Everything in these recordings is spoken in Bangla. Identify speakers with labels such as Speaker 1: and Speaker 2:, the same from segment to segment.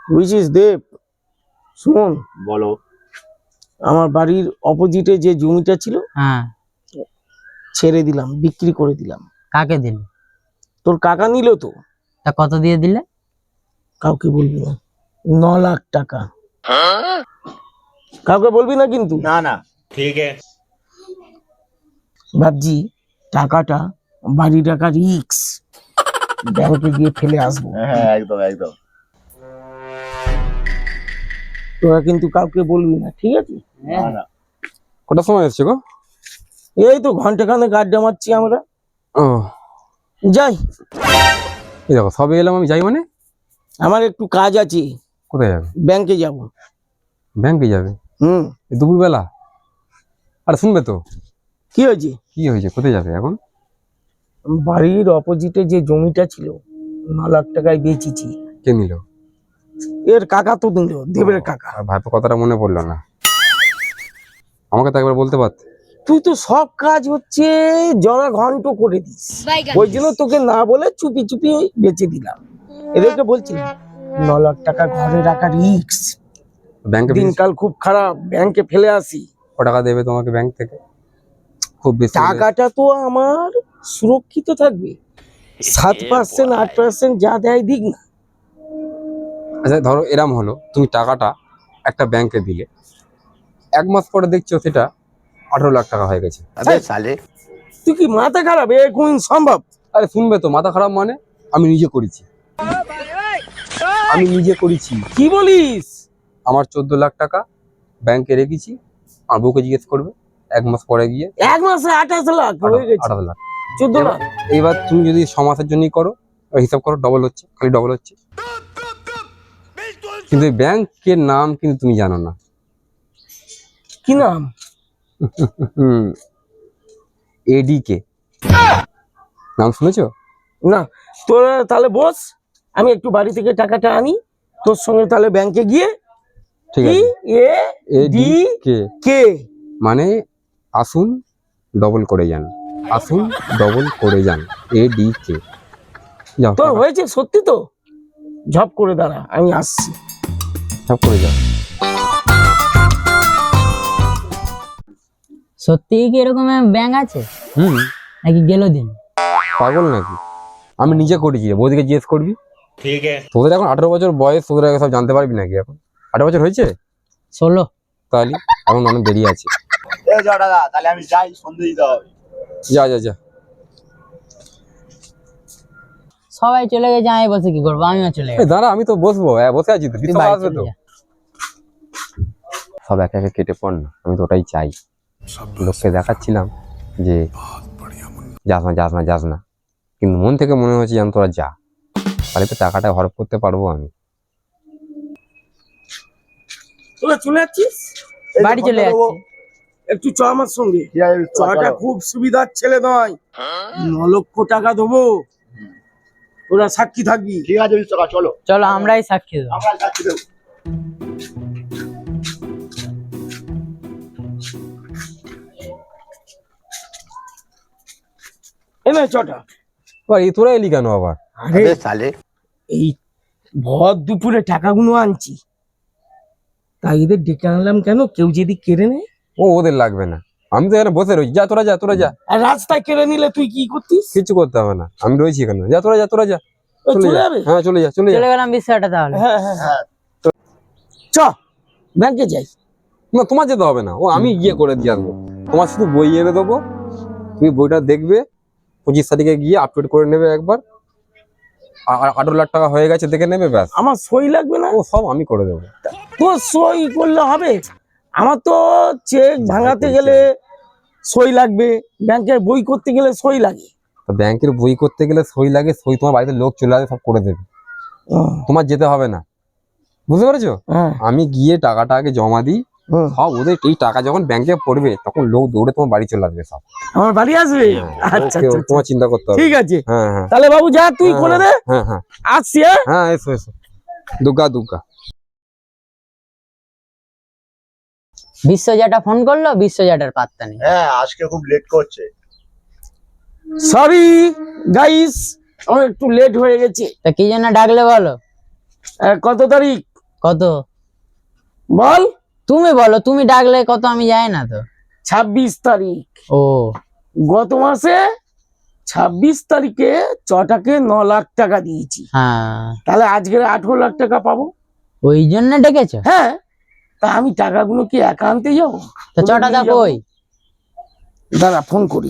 Speaker 1: হুইচ ইজ দেব। শোন,
Speaker 2: বলো।
Speaker 1: আমার বাড়ির অপোজিটে যে জমিটা ছিল
Speaker 3: হ্যাঁ,
Speaker 1: ছেড়ে দিলাম, বিক্রি করে দিলাম।
Speaker 3: কাকে দিলে?
Speaker 1: তোর কাকা নিল তো।
Speaker 3: তা কত দিয়ে দিলে?
Speaker 1: কাউকে বলবি না। 9 লাখ টাকা। কাউকে বলবি না কিন্তু।
Speaker 2: না না, ঠিক আছে।
Speaker 1: ভাবছি টাকাটা, বাড়ি টাকা রিক্স, ব্যাংকে গিয়ে ফেলে আসবো।
Speaker 2: হ্যাঁ, একদম একদম।
Speaker 1: তোরা কিন্তু কাউকে বলবি না, ঠিক আছে?
Speaker 2: না না।
Speaker 4: কটার সময় এসছো গো?
Speaker 1: এই তো ঘন্টাখানেক আড্ডা মারছি আমরা।
Speaker 4: ও,
Speaker 1: যাই।
Speaker 4: এই দেখো সবে এলাম আমি, যাই মানে?
Speaker 1: আমার একটু কাজ আছে,
Speaker 4: কোথায় যাবে?
Speaker 1: ব্যাংকে যাব।
Speaker 4: ব্যাংকে যাবে এই দুপুরবেলা? আর শুনবে তো,
Speaker 1: কি হয়েছে?
Speaker 4: কি হয়েছে, কোথায় যাবে এখন?
Speaker 1: বাড়ির অপোজিটে যে জমিটা ছিল 9 লাখ টাকায় বেচেছি।
Speaker 4: কে নিল?
Speaker 1: এর কাকা তো নিল, দেবের কাকা।
Speaker 4: আর ভাইপো কথাটা মনে পড়লো না, আমাকে তো একবার বলতে পারতে।
Speaker 1: তুই তো সব কাজ হচ্ছে জরা ঘন্ট করে দিস, ওই জন্য তোকে না বলে চুপি চুপি বেচে দিলাম। এদেরকে বলছিলাম 9 লাখ টাকা ঘরে রাখা রিক্স,
Speaker 4: ব্যাংকে
Speaker 1: দিনকাল খুব খারাপ, ব্যাংকে ফেলে আসি।
Speaker 4: ক টাকা দেবে তোমাকে ব্যাংক থেকে? খুব বেশি হলে-
Speaker 1: টাকাটা তো আমার সুরক্ষিত থাকবে, 7% 8% যা দেয় দিক না।
Speaker 4: আচ্ছা ধরো এরম হলো, তুমি টাকাটা একটা ব্যাংকে দিলে, 1 মাস পরে দেখছো সেটা 18 লাখ টাকা হয়ে গেছে।
Speaker 1: তুই কি মাথা খারাপ? এ কোন সম্ভব?
Speaker 4: আরে শুনবে তো, মাথা খারাপ মানে? আমি নিজে করেছি, আমি নিজে করেছি।
Speaker 1: কি বলিস?
Speaker 4: আমার 14 লাখ টাকা ব্যাংকে রেখেছি, আর বউকে জিজ্ঞেস করবে 1 মাস পরে গিয়ে
Speaker 1: 1 মাসে 28 লাখ হয়ে গেছে।
Speaker 4: 18 লাখ।
Speaker 1: 14 লাখ।
Speaker 4: এইবার তুমি যদি 6 মাসের জন্যই করো, হিসাব করো, ডবল হচ্ছে, খালি ডবল হচ্ছে। কিন্তু এই ব্যাংকের নাম কিন্তু তুমি জানো না।
Speaker 1: কি নাম?
Speaker 4: এডিকে নাম শুনেছো?
Speaker 1: না। তোরা তাহলে বস, আমি একটু বাড়ি থেকে টাকাটা আনি, তোর সঙ্গে তাহলে ব্যাংকে গিয়ে।
Speaker 4: ঠিক
Speaker 1: কি?
Speaker 4: আছে,
Speaker 1: এডি
Speaker 4: এডিকে
Speaker 1: কে
Speaker 4: মানে আসুন ডবল করে যান, আসুন ডবল করে যান, এডিকে। যাও
Speaker 1: তোর হয়েছে সত্যি তো? ঝপ করে দাঁড়া, আমি আসছি।
Speaker 4: সব করে যাও।
Speaker 3: সত্যি কি এরকম ব্যাংক আছে
Speaker 4: হুম,
Speaker 3: নাকি গেল দিন?
Speaker 4: পাগল নাকি? আমি নিজে করেছি, বৌদিকে জিজ্ঞেস করবি।
Speaker 2: ঠিক আছে।
Speaker 4: তোদের এখন 18 বছর বয়স, তোদের আগে সব জানতে পারবি নাকি? এখন 18 বছর হয়েছে
Speaker 3: 16।
Speaker 4: তাহলে এখন অনেক দেরি আছে।
Speaker 2: এই যাও দাদা, তাহলে আমি যাই, সন্ধে দিতে হবে।
Speaker 4: যা যা যা।
Speaker 3: সবাই চলে গেছে, আমি বসে কি করবো? আমিও চলে
Speaker 4: এই
Speaker 3: গেছি।
Speaker 4: দাঁড়া, আমি তো বসবো, বসে আছি তো,
Speaker 3: তুই
Speaker 4: বিশ্বকাপ
Speaker 3: বাড়ি
Speaker 4: আসবে
Speaker 3: চলে
Speaker 4: তো।
Speaker 3: যা।
Speaker 4: সব একে একে কেটে পড় না, আমি তো ওটাই চাই। লোককে দেখাচ্ছিলাম যে যাস না যাস না যাস না, কিন্তু মন থেকে মনে হচ্ছে যেন তোরা যা, তাহলে তো টাকাটা হরপ করতে পারবো আমি।
Speaker 1: তোরা চলে যাচ্ছিস?
Speaker 3: বাড়ি চলে যাচ্ছি।
Speaker 1: একটু চ আমার সঙ্গে।
Speaker 2: ঠিক আছে,
Speaker 1: চটা খুব সুবিধার ছেলে নয়, 9 লক্ষ টাকা দেবো, তোরা সাক্ষী থাকবি।
Speaker 2: ঠিক আছে বিশ্বকাপ, চলো।
Speaker 3: চলো আমরাই সাক্ষী দেবো।
Speaker 2: আমরা যাচ্ছি দেবো।
Speaker 1: এনে চটা।
Speaker 4: তোরা এলি কেন আবার?
Speaker 1: আরে এই ভর দুপুরে টাকাগুলো আনছি, তাই এদের ডেকে আনলাম কেন, কেউ যদি কেড়ে নেয়।
Speaker 4: ওদের লাগবে না, আমি তো এখানে বসে রয়েছি। যা তোরা যা, তোরা যা।
Speaker 1: আর রাস্তায় কেড়ে নিলে তুই কি করতিস?
Speaker 4: কিছু করতে হবে না, আমি রয়েছি এখানে। যা তোরা যা, তোরা যা,
Speaker 1: ও,
Speaker 4: চলে
Speaker 1: চলে
Speaker 4: যা।
Speaker 1: যাবে?
Speaker 4: হ্যাঁ চলে যা, চলে যা।
Speaker 3: চলে গেলাম বিষয়টা তাহলে।
Speaker 1: হ্যাঁ হ্যাঁ হ্যাঁ, চ ব্যাংকে যাই।
Speaker 4: না তোমার যেতে হবে না, ও আমি গিয়ে করে দিয়ে আসবো। তোমার শুধু বই এনে দেবো, তুমি বইটা দেখবে, 25 তারিখে গিয়ে আপডেট করে নেবে একবার, আর 18 লাখ টাকা হয়ে গেছে দেখে নেবে, ব্যাস।
Speaker 1: আমার সই লাগবে না?
Speaker 4: ও সব আমি করে দেবো।
Speaker 1: তোর সই করলে হবে? আমার তো চেক ভাঙাতে গেলে সই লাগবে, ব্যাংকের বই করতে গেলে সই লাগে।
Speaker 4: তো ব্যাংকের বই করতে গেলে সই লাগে, সই তোমার বাড়িতে লোক চলে আসে, সব করে দেবে, তোমার যেতে হবে না। বুঝতে পেরেছো?
Speaker 1: হ্যাঁ
Speaker 4: আমি গিয়ে টাকাটা আগে জমা দিই, সব ওদের এই টাকা যখন ব্যাংকে পড়বে তখন লোক দৌড়ে তোমার বাড়ি চলে আসবে সব।
Speaker 1: আমার বাড়ি আসবে? আচ্ছা
Speaker 4: ওকে,
Speaker 1: আচ্ছা,
Speaker 4: তোমার চিন্তা করতে হবে।
Speaker 1: ঠিক আছে।
Speaker 4: হ্যাঁ হ্যাঁ
Speaker 1: তাহলে বাবু যা, তুই
Speaker 4: হ্যাঁ,
Speaker 1: করে দে।
Speaker 4: হ্যাঁ হ্যাঁ
Speaker 1: আসছি। হ্যাঁ
Speaker 4: হ্যাঁ, এসো এসো, দুর্গা দুর্গা।
Speaker 3: বিশ্বজাটা ফোন করলো, বিশ্বজাটার পাত্তা নেই।
Speaker 2: হ্যাঁ, আজকে খুব লেট করছে।
Speaker 1: সরি গাইস, আমার একটু লেট হয়ে গেছে।
Speaker 3: তা কি জন্য ডাকলে বলো?
Speaker 1: কত তারিখ?
Speaker 3: কত?
Speaker 1: বল।
Speaker 3: তুমি বলো, তুমি ডাকলে কত, আমি যাই না তো।
Speaker 1: 26 তারিখ।
Speaker 3: ও,
Speaker 1: গত মাসে 26 তারিখে চটাকে 9 লাখ টাকা দিয়েছি।
Speaker 3: হ্যাঁ,
Speaker 1: তাহলে আজকে 18 লাখ টাকা পাবো।
Speaker 3: ওই জন্য ডেকেছো?
Speaker 1: হ্যাঁ, তা আমি টাকাগুলো কি একা আনতে যাবো?
Speaker 3: তো চটা দা কই?
Speaker 1: দাঁড়া, ফোন করি।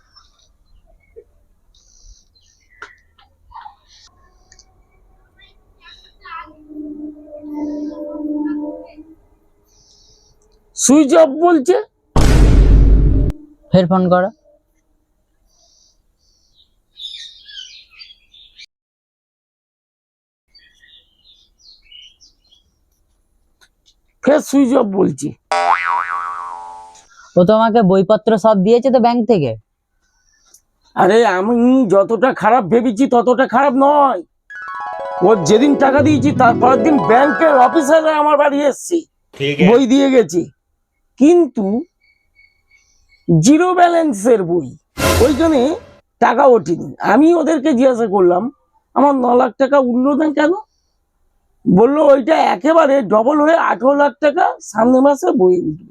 Speaker 1: সুইচ অফ বলছে।
Speaker 3: ফের ফোন করো।
Speaker 1: ফের সুইচ অফ বলছি।
Speaker 3: ও তোমাকে বইপত্র সব দিয়েছে তো ব্যাংক থেকে?
Speaker 1: আরে আমি যতটা খারাপ ভেবেছি ততটা খারাপ নয়। ও যেদিন টাকা দিয়েছি তারপরের দিন ব্যাংকের অফিসাররা আমার বাড়ি এসছে, বই দিয়ে গেছে, কিন্তু জিরো ব্যালেন্সের বই, ওইখানে টাকা ওঠেনি। আমি ওদেরকে জিজ্ঞাসা করলাম আমার 9 লাখ টাকা উঠলো না কেন? বললো ওইটা একেবারে ডবল হয়ে 18 লাখ টাকা সামনের মাসে বই উঠবে।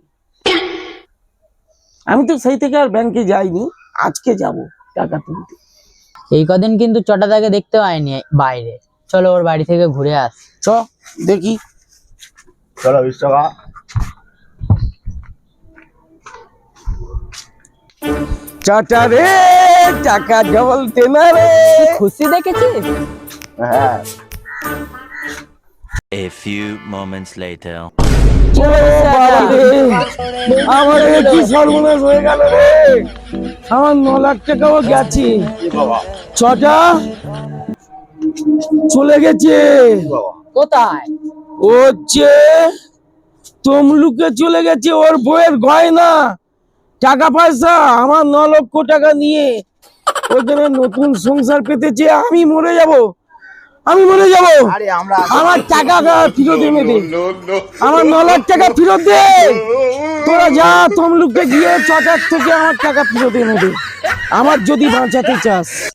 Speaker 1: আমি তো সেই থেকে আর ব্যাংকে যাইনি, আজকে যাব টাকা তুলতে।
Speaker 3: এই কদিন কিন্তু চটাদাকে দেখতে পাইনি বাইরে, চলো ওর বাড়ি থেকে ঘুরে আস।
Speaker 1: চ দেখি।
Speaker 2: চলো 20 টাকা।
Speaker 1: চাটা রে টাকা ডবল তেনা রে।
Speaker 3: খুশি দেখেছিস?
Speaker 2: হ্যাঁ।
Speaker 5: A few moments later.
Speaker 1: ও বাবা রে, আমার এ কি সর্বনাশ হয়ে গেল রে। আমার 9 লাখ টাকাও গেছে।
Speaker 2: কি বাবা?
Speaker 1: ছটা চলে গেছে।
Speaker 2: কি বাবা?
Speaker 3: কোথায়?
Speaker 1: ও হচ্ছে তমলুকে চলে গেছে, ওর বইয়ের গয়না, টাকা পয়সা, আমার 9 লক্ষ টাকা নিয়ে ওখানে নতুন সংসার পেতেছে। আমি মরে যাব, আমি মরে যাব।
Speaker 2: আরে আমরা
Speaker 1: আমার টাকা ফেরত এনে দে, আমার 9 লাখ টাকা ফেরত দে। তোরা যা তমলুকে গিয়ে চটার থেকে আমার টাকা ফেরত এনে দে, আমার যদি বাঁচাতে চাস।